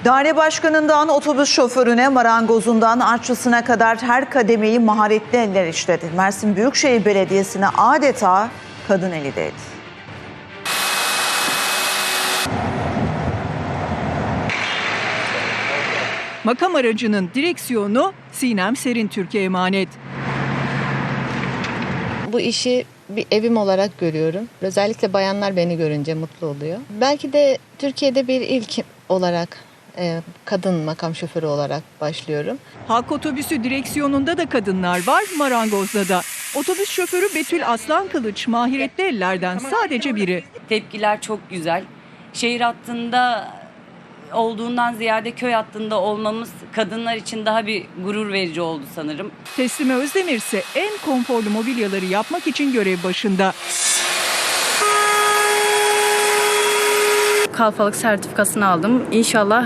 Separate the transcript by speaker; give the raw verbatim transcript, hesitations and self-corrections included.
Speaker 1: Daire başkanından otobüs şoförüne, marangozundan aşçısına kadar her kademeyi maharetli eller işledi. Mersin Büyükşehir Belediyesi'ne adeta kadın eli değdi.
Speaker 2: Makam aracının direksiyonu Sinem Serintürk'e emanet.
Speaker 3: Bu işi bir evim olarak görüyorum. Özellikle bayanlar beni görünce mutlu oluyor. Belki de Türkiye'de bir ilk olarak e, kadın makam şoförü olarak başlıyorum.
Speaker 2: Halk otobüsü direksiyonunda da kadınlar var, marangozda da. Otobüs şoförü Betül Aslankılıç mahiretli ellerden sadece biri.
Speaker 4: Tepkiler çok güzel. Şehir hattında olduğundan ziyade köy hattında olmamız kadınlar için daha bir gurur verici oldu sanırım.
Speaker 2: Teslime Özdemir ise en konforlu mobilyaları yapmak için görev başında.
Speaker 5: Kalfalık sertifikasını aldım. İnşallah